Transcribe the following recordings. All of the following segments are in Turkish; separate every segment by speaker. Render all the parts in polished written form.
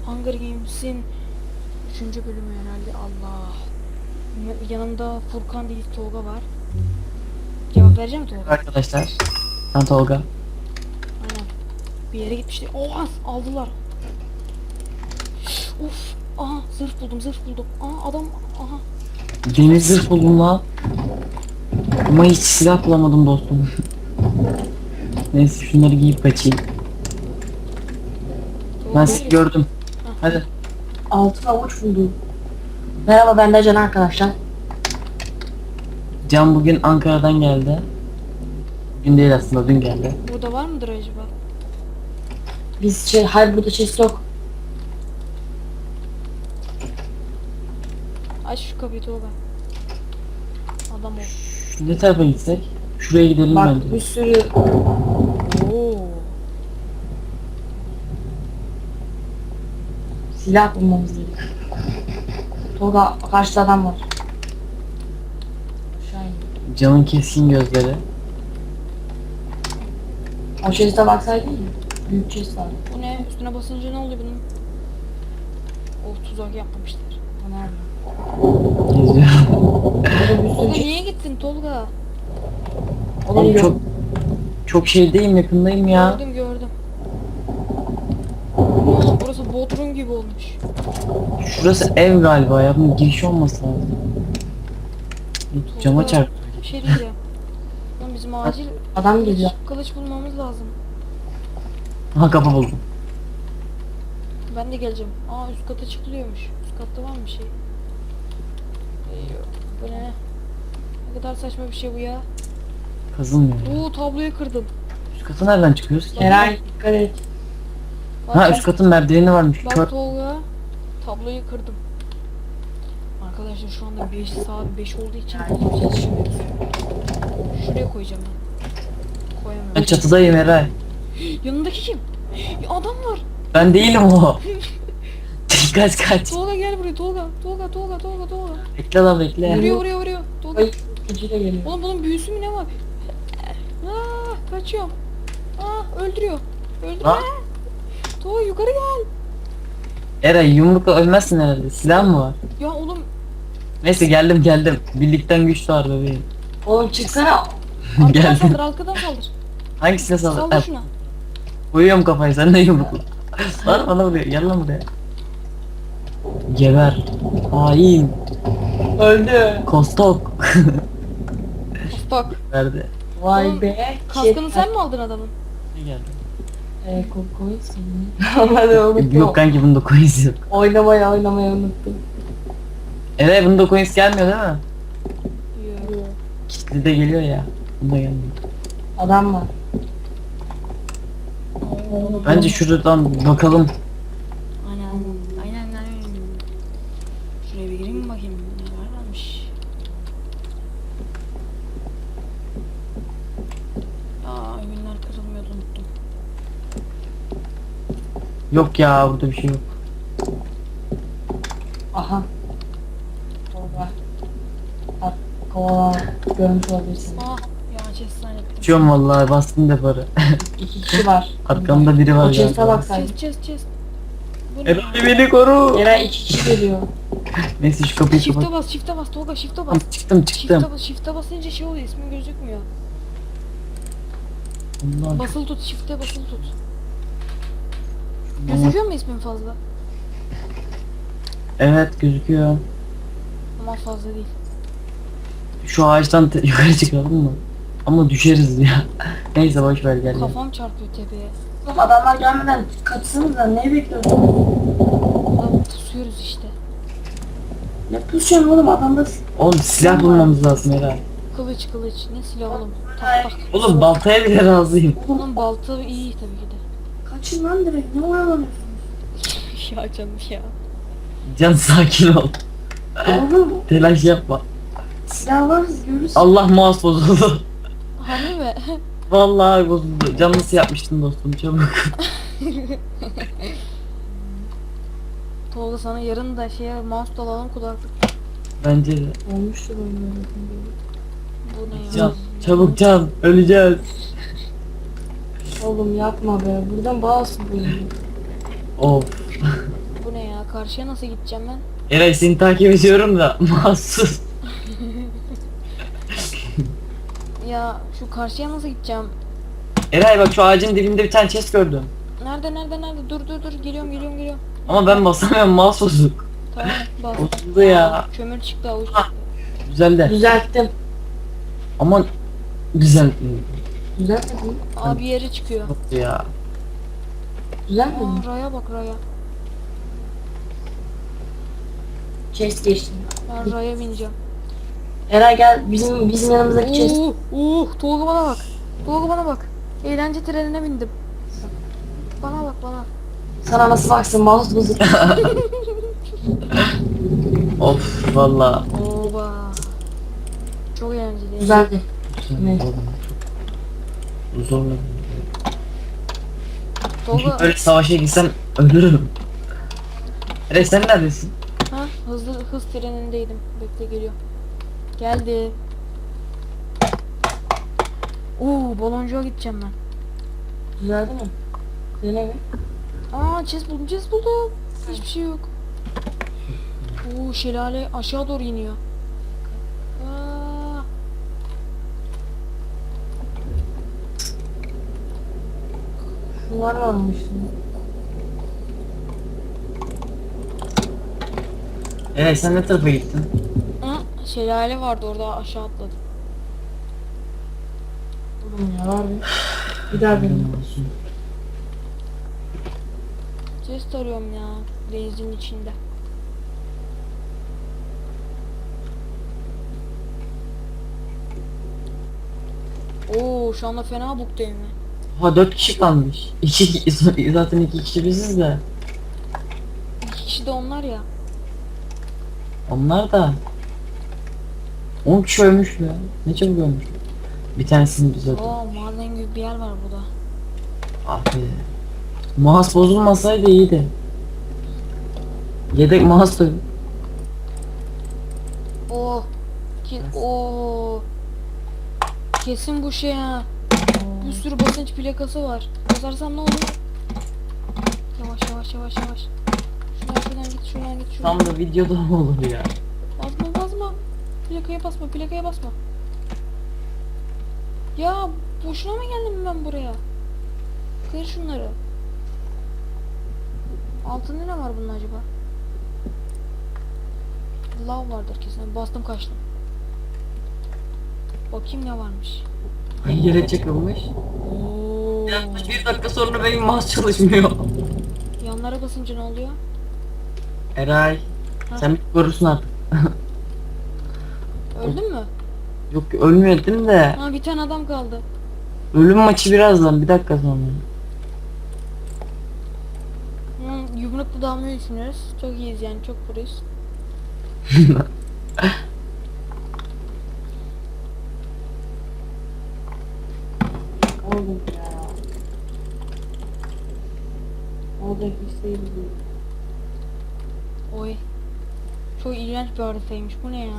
Speaker 1: Hunger Games'in 3. bölümü herhalde. Allah. Yanımda Furkan değil Tolga var. Cevap vereceğim Tolga.
Speaker 2: Arkadaşlar, ben Tolga.
Speaker 1: Aynen. Bir yere gitmişti. Oha aldılar. Of. Aha zırh buldum zırh buldum. Aha adam aha.
Speaker 2: Deniz zırh buldum lan. Ama hiç silah bulamadım dostum. Neyse şunları giyip kaçayım.
Speaker 1: Tolga
Speaker 2: Ben sizi
Speaker 1: neredesin?
Speaker 2: gördüm.
Speaker 1: Hah.
Speaker 2: Hadi.
Speaker 3: Altın avuç buldum. Merhaba, ben de Can arkadaşlar.
Speaker 2: Can bugün Ankara'dan geldi. Bugün değil aslında, dün geldi.
Speaker 1: Burada var mıdır acaba?
Speaker 3: Biz hayır, burada chest yok.
Speaker 1: Aç şu kapıyı Tolga. Adam ol.
Speaker 2: Ne tarafa gitsek? Şuraya gidelim
Speaker 3: Bak
Speaker 2: bence.
Speaker 3: bir sürü
Speaker 1: Oo.
Speaker 3: silah bulmamız gerek. Tolga, karşıda adam var. Aşağı in.
Speaker 2: Can'ın keskin gözleri.
Speaker 3: O chest'e baksaydın ya. Büyük chest var.
Speaker 1: Bu ne? Üstüne basınca ne oluyor bunun? Oh tuzak yapmamışlar.
Speaker 3: O nerede?
Speaker 2: Geziyor.
Speaker 3: Burada bir sürü
Speaker 1: Tolga
Speaker 3: chest.
Speaker 1: niye gittin Tolga?
Speaker 3: Oğlum
Speaker 2: Çok
Speaker 3: yok.
Speaker 2: çok şeydeyim, yakındayım ya.
Speaker 1: Gördüm gördüm. Oğlum burası Bodrum gibi olmuş.
Speaker 2: Şurası ev galiba ya. Bunun girişi olması lazım. Cama çarp.
Speaker 1: Bir şey diyeceğim. Oğlum bizim acil
Speaker 3: Adam geliyor.
Speaker 1: kılıç bulmamız lazım.
Speaker 2: Ha, kapı buldum.
Speaker 1: Ben de geleceğim. Aa üst kata çıkılıyormuş. Üst katta var mı bir şey? Bu ne? Ne kadar saçma bir şey bu ya.
Speaker 2: Kazılmıyor.
Speaker 1: Oo tabloyu kırdım.
Speaker 2: Üst kata nereden çıkıyoruz ki?
Speaker 3: Eray, dikkat et.
Speaker 1: Bak,
Speaker 2: Ha, üst katın merdiveni varmış.
Speaker 1: bak
Speaker 2: Kör.
Speaker 1: Tolga. Tabloyu kırdım. Arkadaşlar şu anda 5 saat 5 olduğu için çalışmıyoruz. Şuraya koyacağım ben.
Speaker 2: Ben
Speaker 1: Koyamıyorum.
Speaker 2: çatıdayım Eray.
Speaker 1: Yanındaki kim? Ya adam var.
Speaker 2: Ben değilim o. Kaç.
Speaker 1: Tolga gel buraya Tolga. Tolga.
Speaker 2: Bekle lan bekle.
Speaker 1: Vuruyor. Tolga.
Speaker 3: Ay, ikinci de geliyor.
Speaker 1: Oğlum bunun büyüsü mü ne var? Aa kaçıyorum. Aa öldürüyor.
Speaker 2: Ha?
Speaker 1: Tolga yukarı gel.
Speaker 2: Eray yumrukla ölmezsin herhalde. Silah mı var?
Speaker 1: Ya oğlum
Speaker 2: Neyse geldim. Birlikten güç doğar bebeğim.
Speaker 3: Oğlum çıksana.
Speaker 1: arkadan
Speaker 2: Geldim.
Speaker 1: saldır arkadan saldır.
Speaker 2: Hangisine saldır?
Speaker 1: Saldır şuna.
Speaker 2: Koyuyorum kafayı, sen de yumrukla. Lan bana vuruyor. Gel lan buraya. Geber. Hain.
Speaker 3: Öldü.
Speaker 2: Kostok.
Speaker 1: Bak.
Speaker 2: Verdi.
Speaker 3: Vay
Speaker 1: Oğlum,
Speaker 3: be.
Speaker 1: Kaskını sen mi aldın adamın?
Speaker 2: Ne geldi?
Speaker 3: Kokoyu seni. Onları unuttum.
Speaker 2: Yok kanki, bunda coins yok.
Speaker 3: Oynamayı unuttum.
Speaker 2: Eray bunda coins gelmiyor değil mi?
Speaker 1: Yok.
Speaker 2: Kitli de geliyor ya. Bunda gelmiyor.
Speaker 3: Adam var.
Speaker 2: Bence şuradan bakalım.
Speaker 1: Aynen. Şuraya bir gireyim mi bakayım ne varmış. Aa ürünler kırılmıyordu unuttum.
Speaker 2: Yok ya, burada bir şey yok.
Speaker 3: Aha. Tolga. Bak, kovala görmüş olabilirsin.
Speaker 1: Aa ya chest zannettim.
Speaker 2: Uçuyorum vallahi, bastım deparı.
Speaker 3: 2 kişi var.
Speaker 2: Arkamda biri var
Speaker 3: O chest'e
Speaker 2: galiba.
Speaker 3: baksaydın.
Speaker 1: Chest. Bu ne?
Speaker 2: Eray beni koru.
Speaker 3: Eray 2 kişi geliyor.
Speaker 2: Neyse şu kapıyı kapat.
Speaker 1: Shift'e bas Tolga shift'e bas.
Speaker 2: Tamam, çıktım.
Speaker 1: Shift'e basınca şey oluyor ismin gözükmüyor.
Speaker 2: Allah.
Speaker 1: Basılı tut shift'e basılı tut. Gözüküyor mu ismin fazla?
Speaker 2: Evet gözüküyor.
Speaker 1: Ama fazla değil.
Speaker 2: Şu ağaçtan yukarı çıkalım mı? Ama düşeriz ya. Neyse boş ver, gel.
Speaker 1: Kafam çarpıyor tepeye.
Speaker 3: Oğlum adamlar gelmeden kaçsanız da ne bekliyorsun?
Speaker 1: Ulan tutuyoruz işte.
Speaker 3: Ne pusuyorsun oğlum, adamda
Speaker 2: Oğlum silah bulmamız lazım Eray.
Speaker 1: Kılıç ne silah oğlum. Tak.
Speaker 2: Oğlum baltaya bile razıyım.
Speaker 1: Oğlum balta iyi tabii ki de.
Speaker 3: kaçın lan direkt, ne oyalanıyorsun?
Speaker 1: Ya canım ya.
Speaker 2: Can sakin ol.
Speaker 3: Oğlum
Speaker 2: Telaş yapma.
Speaker 3: silah var, görürsün.
Speaker 2: Allah mouse bozuldu.
Speaker 1: Harbi mi?
Speaker 2: Vallahi bozuldu. Can nasıl yapmıştın dostum, çabuk.
Speaker 1: Tolga sana yarın da mouse da alalım kulaklık.
Speaker 2: Bence de.
Speaker 3: Olmuştur oyun.
Speaker 1: Bu ne ya?
Speaker 2: Can, çabuk Can, öleceğiz.
Speaker 3: Oğlum yapma be, buradan bağlısın bu oyunu.
Speaker 2: Of.
Speaker 1: Karşıya nasıl gideceğim ben?
Speaker 2: Eray seni takip ediyorum da mahsus.
Speaker 1: Ya şu karşıya nasıl gideceğim?
Speaker 2: Eray bak şu ağacın dibinde bir tane chest gördüm.
Speaker 1: Nerede? Dur geliyorum.
Speaker 2: Ama ben basamıyorum, mouse bozuk.
Speaker 1: Tamam bas.
Speaker 2: Bozuldu ya.
Speaker 1: Kömür çıktı avuç çıktı.
Speaker 2: Güzel de.
Speaker 3: Düzelttim.
Speaker 2: Ama güzel
Speaker 3: Düzeltmedim.
Speaker 1: Abi yere çıkıyor.
Speaker 2: ya.
Speaker 3: Düzeltmedim.
Speaker 1: Aa, raya bak raya.
Speaker 3: Chest geçtim.
Speaker 1: Ben raya bineceğim.
Speaker 3: Eray gel bizim yanımızdaki chest.
Speaker 1: Tolga bana bak. Tolga bana bak. Eğlence trenine bindim. Bana bak bana.
Speaker 3: Sana nasıl baksın mouse bozuk.
Speaker 2: Of valla.
Speaker 1: Oba. Çok eğlenceli.
Speaker 3: Düzeldi. Evet.
Speaker 2: Zorla.
Speaker 1: Tolga
Speaker 2: Böyle savaşa gitsem ölürüm. Eray sen neredesin?
Speaker 1: ha hız trenindeydim. Bekle geliyor. Geldi. Baloncuğa gideceğim ben.
Speaker 3: Düzeldi mi? Dene mi?
Speaker 1: Aa chest buldum. Hiçbir şey yok. Şelale aşağı doğru iniyor. Aa.
Speaker 3: Bunlar varmış.
Speaker 2: Eray sen ne tarafa gittin?
Speaker 1: Şelale vardı orada aşağı atladım.
Speaker 3: Oğlum ya var bir daha benim.
Speaker 1: Chest arıyorum ya denizin içinde. Şu anda fena buktayım ben.
Speaker 2: Ha 4 kişi kalmış. Zaten 2 kişi biziz de.
Speaker 1: 2 kişi de onlar ya.
Speaker 2: Onlar da 10 kişi ölmüş ya. Ne çabuk ölmüş. Bir tanesini biz öldürdük.
Speaker 1: Maden gibi bir yer var burada.
Speaker 2: Abi. Mouse bozulmasaydı iyiydi. Yedek mouse da
Speaker 1: Kesin bu şey ha. Bir sürü basınç plakası var. Basarsam ne olur? Yavaş. Şuradan git.
Speaker 2: tam da videoda mı olur ya?
Speaker 1: Basma. Plakaya basma. Ya boşuna mı geldim ben buraya? Kır şunları. Altında ne var bunun acaba? Lav vardır kesin. Bastım kaçtım. Bakayım ne varmış.
Speaker 2: Yere çakılmış. Yaklaşık 1 dakika sonra benim mouse çalışmıyor.
Speaker 1: Yanlara basınca ne oluyor?
Speaker 2: Eray.
Speaker 1: Ha?
Speaker 2: Sen bir korursun artık.
Speaker 1: Öldün mü?
Speaker 2: Yok ölmedim de.
Speaker 1: Ha bir tane adam kaldı.
Speaker 2: Ölüm maçı birazdan 1 dakika sonra.
Speaker 1: Yumruklu dalmayı düşünüyoruz. Çok iyiyiz yani çok burayız.
Speaker 3: Oğlum ya. Orada hiç değil.
Speaker 1: Oy. Çok iğrenç bir haritaymış. Bu ne ya?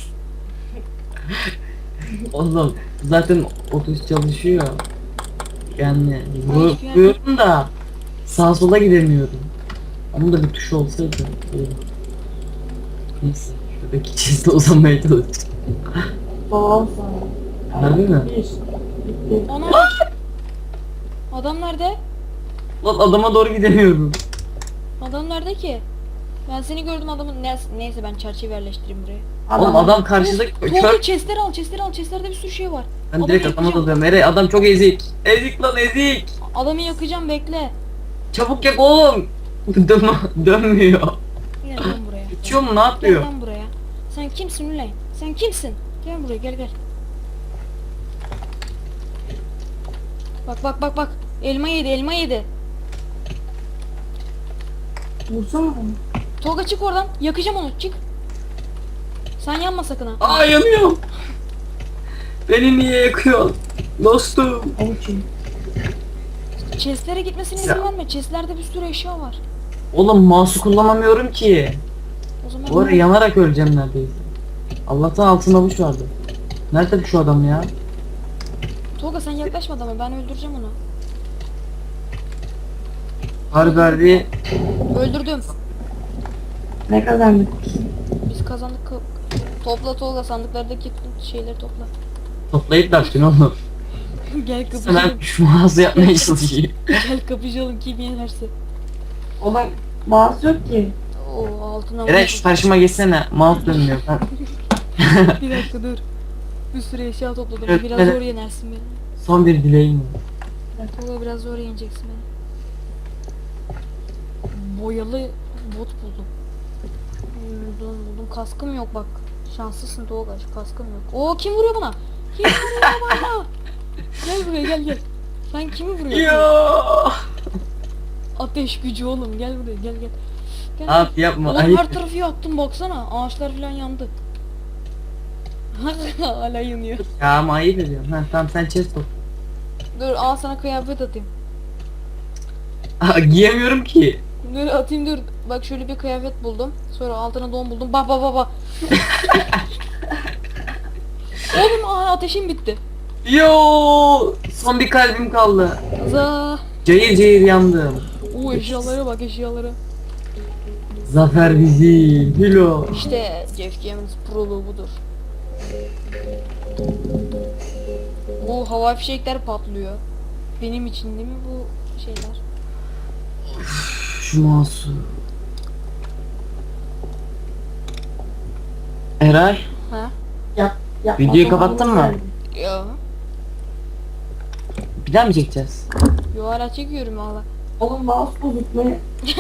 Speaker 2: Oğlum zaten otobüs çalışıyor. Yani
Speaker 1: hiçbir yer-
Speaker 2: vuruyorum da sağa sola gidemiyorum. Onun da bir tuşu olsaydı iyi. Neyse şuradaki çizde uzanmaya çalışacağım.
Speaker 3: Babam sana.
Speaker 2: Harbi mi?
Speaker 3: Bitti.
Speaker 1: Ana! Adam nerede?
Speaker 2: Lan adama doğru gidemiyorum.
Speaker 1: Adam nerede ki? Ben seni gördüm adamın. Neyse ben çerçeve yerleştireyim buraya.
Speaker 2: Oğlum adam karşıda
Speaker 1: Tolga
Speaker 2: kör.
Speaker 1: chestleri al. Chestlerde bir sürü şey var.
Speaker 2: Ben
Speaker 1: Adamı
Speaker 2: direkt adama
Speaker 1: yakacağım.
Speaker 2: dalıyorum. Eray adam çok ezik. Ezik lan ezik.
Speaker 1: Adamı yakacağım bekle.
Speaker 2: Çabuk yak oğlum. Dönmüyor.
Speaker 1: Gel lan buraya.
Speaker 2: Uçuyor mu ne
Speaker 1: Gel
Speaker 2: yapıyor?
Speaker 1: lan buraya. Sen kimsin Üley? Sen kimsin? Gel buraya gel. Bak. Elma yedi.
Speaker 3: Vursana onu.
Speaker 1: Tolga çık oradan. Yakacağım onu. Çık. Sen yanma sakın ha.
Speaker 2: Aa yanıyorum. Beni niye yakıyorsun? Dostum.
Speaker 3: Avuç yiyin.
Speaker 1: Chestlere gitmesine izin verme. Chestlerde bir sürü eşya var.
Speaker 2: Oğlum mouse'u kullanamıyorum ki.
Speaker 1: O zaman
Speaker 2: Bu arada yanarak öleceğim neredeyse. Allah'tan altın avuç vardı. Nerede şu adam ya?
Speaker 1: Tolga sen yaklaşma adama. Ben öldüreceğim onu.
Speaker 2: Harbi
Speaker 1: Öldürdüm.
Speaker 3: Ne kazandık?
Speaker 1: Biz kazandık. Topla Tolga, sandıklardaki şeyleri topla.
Speaker 2: Toplayıp da attın oğlum.
Speaker 1: Gel kapışalım.
Speaker 2: Sana şu mağaza yapmaya çalışayım.
Speaker 1: Gel kapışalım, kim yenerse.
Speaker 3: Oğlum mouse yok ki.
Speaker 1: Oo, altına
Speaker 2: Eren şu karşıma geçsene. Mouse dönmüyor. Ben...
Speaker 1: Bir dakika dur. Bir sürü eşya topladım.
Speaker 2: Evet,
Speaker 1: Biraz
Speaker 2: evet.
Speaker 1: zor yenersin beni.
Speaker 2: Son bir dileğim.
Speaker 1: Tolga biraz zor yeneceksin beni. Boyalı bot buldum. Buldum. Kaskım yok bak. Şanslısın Tolga. Kaskım yok. Oo, kim vuruyor bana? Kim vuruyor bana? Gel buraya, gel. Sen kimi vuruyorsun?
Speaker 2: Yo.
Speaker 1: Ateş gücü oğlum, gel buraya, gel. Gel.
Speaker 2: Abi yapma.
Speaker 1: Oğlum
Speaker 2: Ayıp.
Speaker 1: her tarafı yaktım baksana. Ağaçlar falan yandı. Hala yanıyor.
Speaker 2: Ya ama ayıp ediyorsun. Ha tamam sen chest top.
Speaker 1: Dur, al sana kıyafet atayım.
Speaker 2: Aa, giyemiyorum ki.
Speaker 1: Dur atayım, dur. Bak şöyle bir kıyafet buldum. Sonra altına don buldum. Bak. Oğlum ateşim bitti.
Speaker 2: Yo, son bir kalbim kaldı.
Speaker 1: Za.
Speaker 2: Cayır cayır yandım.
Speaker 1: Eşyalara bak, eşyalara.
Speaker 2: Zafer bizim. Hilo.
Speaker 1: İşte Jeff Gammons proluğu budur. Bu hava fişekler patlıyor. Benim için değil mi bu şeyler?
Speaker 2: Şu mouse'u. Eray,
Speaker 1: Ha?
Speaker 3: Yap,
Speaker 2: Videoyu kapattın mı?
Speaker 1: Yo.
Speaker 2: bir daha mı çekeceğiz?
Speaker 1: Yo, hala çekiyorum valla.
Speaker 3: Oğlum mouse bozuk ne?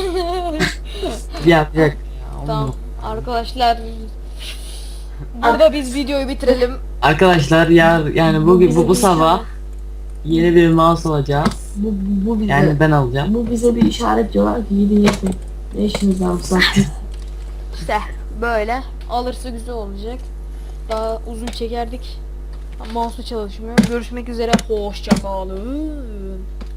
Speaker 2: Yap. Ya,
Speaker 1: Tamam arkadaşlar. Burada biz videoyu bitirelim.
Speaker 2: Arkadaşlar yani bugün bu sabah yeni bir mouse alacağız.
Speaker 3: Bu bize,
Speaker 2: Yani ben alacağım.
Speaker 3: bu bize bir işaret diyorlar ki gidin yapın. Ne işiniz var bu saatte?
Speaker 1: İşte böyle. Alırsa güzel olacak. Daha uzun çekerdik. Mouse'u çalışmıyor. Görüşmek üzere. Hoşça kalın.